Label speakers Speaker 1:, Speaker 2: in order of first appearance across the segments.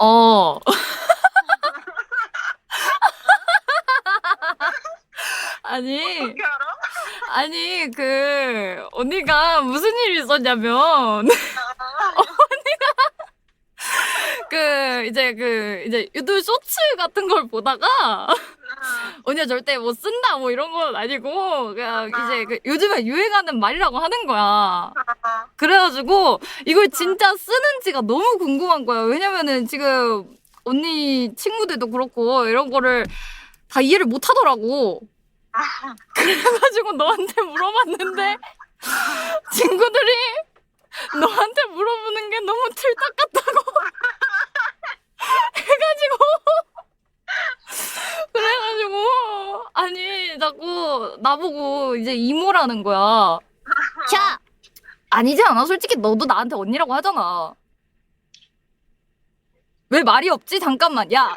Speaker 1: 어. 아니,
Speaker 2: 어떻게 알아?
Speaker 1: 아니, 언니가 무슨 일이 있었냐면, 이제 유튜브 쇼츠 같은 걸 보다가, 언니가 절대 뭐 쓴다, 뭐 이런 건 아니고, 그냥 이제 요즘에 유행하는 말이라고 하는 거야. 그래가지고, 이걸 진짜 쓰는지가 너무 궁금한 거야. 왜냐면은 지금, 언니 친구들도 그렇고, 이런 거를 다 이해를 못 하더라고. 그래가지고 너한테 물어봤는데 친구들이 너한테 물어보는 게 너무 틀딱 같다고 해가지고 그래가지고 아니 자꾸 나보고 이제 이모라는 거야. 야 아니지 않아? 솔직히 너도 나한테 언니라고 하잖아. 왜 말이 없지? 잠깐만 야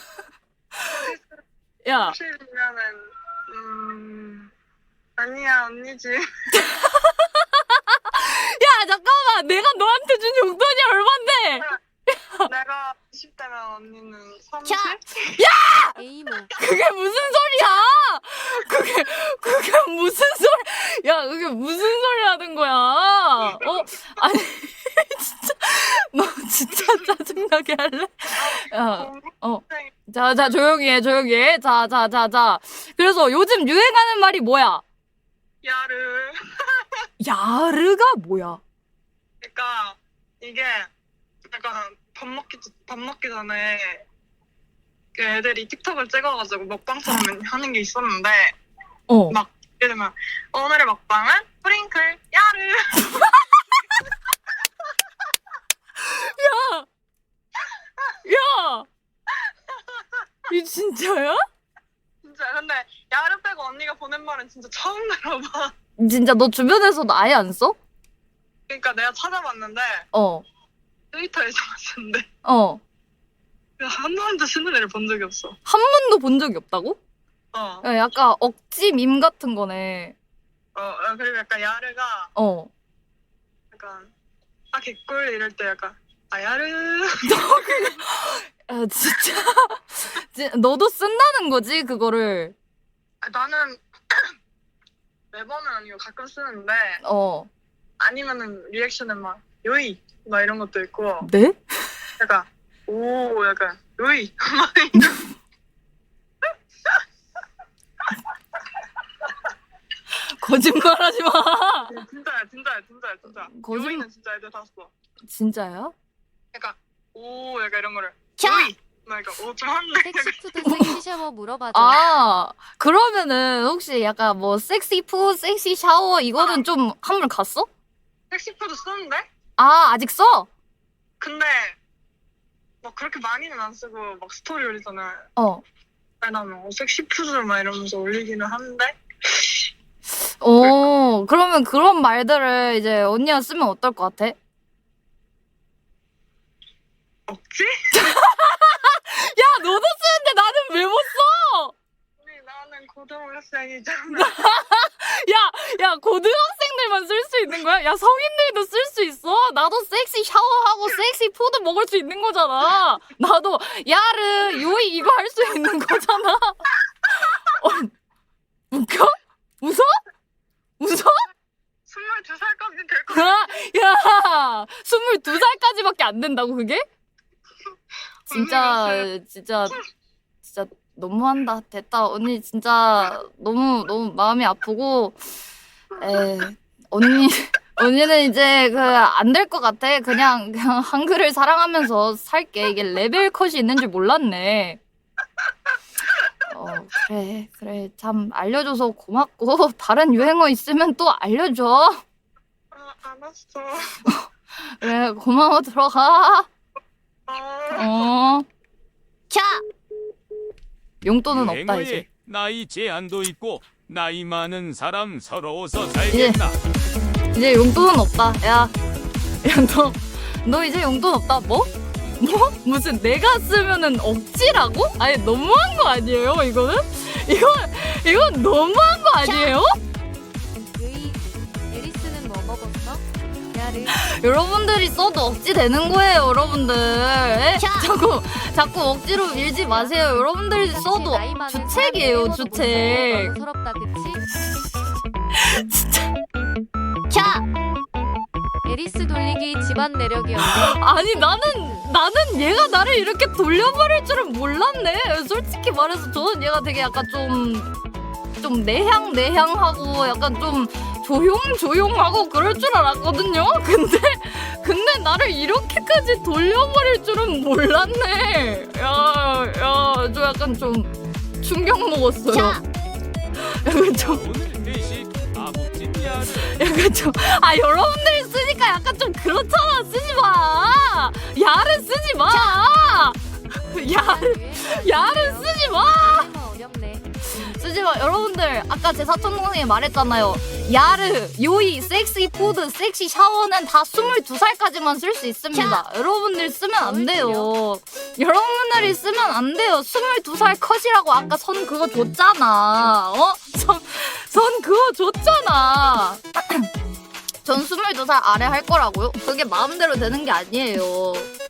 Speaker 1: 야.
Speaker 2: 사실이면은 아니야 언니지.
Speaker 1: 야 잠깐만 내가 너한테 준 용돈이 얼만데?
Speaker 2: 내가 20대면 언니는 30?
Speaker 3: 에이모.
Speaker 1: 그게 무슨 소리야? 그게 무슨 소리? 야, 그게 무슨 소리 하는 거야? 아니, 진짜, 너 진짜 짜증나게 할래? 야, 자, 조용히 해. 자. 그래서 요즘 유행하는 말이 뭐야?
Speaker 2: 야르.
Speaker 1: 야르가 뭐야?
Speaker 2: 그러니까 이게 약간 밥 먹기 전에 그 애들이 틱톡을 찍어가지고 먹방처럼 하는 게 있었는데 막 예를 들면 오늘의 먹방은 프링클 야르.
Speaker 1: 야! 이 진짜야?
Speaker 2: 진짜 근데 야르 빼고 언니가 보낸 말은 진짜 처음 들어봐.
Speaker 1: 진짜 너 주변에서도 아예 안 써?
Speaker 2: 그러니까 내가 찾아봤는데 트위터에서 봤는데 한 번도 쓰는 애를 본 적이 없어.
Speaker 1: 한 번도 본 적이 없다고?
Speaker 2: 어.
Speaker 1: 약간 억지 밈 같은 거네.
Speaker 2: 그리고 약간 야르가 약간 개꿀 이럴 때 약간 야르.
Speaker 1: 야, 진짜 너도 쓴다는 거지 그거를.
Speaker 2: 나는 매번은 아니고 가끔 쓰는데 아니면은 리액션에 막 요이 막 이런 것도 있고
Speaker 1: 네?
Speaker 2: 약간 오 약간 요이
Speaker 1: 거짓말하지 마.
Speaker 2: 진짜야
Speaker 1: 거짓말.
Speaker 2: 요이는 진짜 애들 다 써.
Speaker 1: 진짜야?
Speaker 2: 약간 오 약간 이런 거를
Speaker 1: 캬!
Speaker 2: 요이 막 약간 좀 한데
Speaker 3: 섹시푸드 섹시 샤워 물어봐줘.
Speaker 1: 그러면은 혹시 약간 뭐 섹시 푸, 섹시 샤워 이거는 좀 한물 갔어?
Speaker 2: 섹시푸드 쓰는데
Speaker 1: 아직 써?
Speaker 2: 근데 막 그렇게 많이는 안 쓰고 막 스토리 올리잖아. 나는 섹시푸드 막 이러면서 올리기는 하는데
Speaker 1: 그러면 그런 말들을 이제 언니가 쓰면 어떨 것 같아?
Speaker 2: 없지?
Speaker 1: 야, 너도 쓰는데 나는 왜 못 써?
Speaker 2: 아니 나는 고등학생이잖아.
Speaker 1: 야, 고등학생들만 쓸 수 있는 거야? 야, 성인들도 쓸 수 있어. 나도 섹시 샤워하고 섹시 푸드 먹을 수 있는 거잖아. 나도 야르, 요이 이거 할 수 있는 거잖아. 웃겨? 웃어?
Speaker 2: 22살까지 될 거야.
Speaker 1: 야, 22살까지밖에 안 된다고 그게? 진짜 너무한다. 됐다. 언니 진짜 너무 마음이 아프고 언니는 이제 안 될 것 같아. 그냥 한글을 사랑하면서 살게. 이게 레벨 컷이 있는 줄 몰랐네. 그래. 참 알려줘서 고맙고 다른 유행어 있으면 또 알려줘.
Speaker 2: 알았어.
Speaker 1: 그래, 고마워. 들어가. 캬! 용돈은 없다 이제.
Speaker 4: 나이 제한도 있고 나이 많은 사람 서러워서 살겠나.
Speaker 1: 이제 용돈은 없다. 야, 너 이제 용돈 없다. 뭐? 무슨 내가 쓰면은 억지라고? 아니 너무한 거 아니에요? 이거는? 이건 너무한 거 아니에요?
Speaker 3: 유이, 에리스는 뭐 먹었어? 야 야르.
Speaker 1: 여러분들이 써도 억지 되는 거예요, 여러분들. 에? 자꾸 억지로 밀지 마세요. 여러분들이 써도
Speaker 3: 나이 많은
Speaker 1: 주책이에요,
Speaker 3: 사람
Speaker 1: 주책.
Speaker 3: 외모도 서럽다 그치? 에리스 돌리기 집안 내력이었네.
Speaker 1: 아니 나는 얘가 나를 이렇게 돌려버릴 줄은 몰랐네. 솔직히 말해서 저는 얘가 되게 약간 좀 내향하고 약간 좀 조용하고 그럴 줄 알았거든요. 근데 나를 이렇게까지 돌려버릴 줄은 몰랐네. 저 약간 좀 충격 먹었어요. 약간 좀
Speaker 4: 오늘 회식 아복진 야르.
Speaker 1: 약간 좀 여러분들이 쓰니까 약간 좀 그렇잖아. 쓰지 마. 야를 쓰지 마. 야를 쓰지 마.
Speaker 3: 어렵네.
Speaker 1: 쓰지 마. 여러분들 아까 제 사촌 동생이 말했잖아요. 야르, 요이, 섹시 푸드, 섹시 샤워는 다 22살까지만 쓸 수 있습니다. 여러분들 쓰면 안 돼요. 여러분들이 쓰면 안 돼요. 22살 컷이라고 아까 선 그거 줬잖아. 선 그거 줬잖아. 전 22살 아래 할 거라고요? 그게 마음대로 되는 게 아니에요.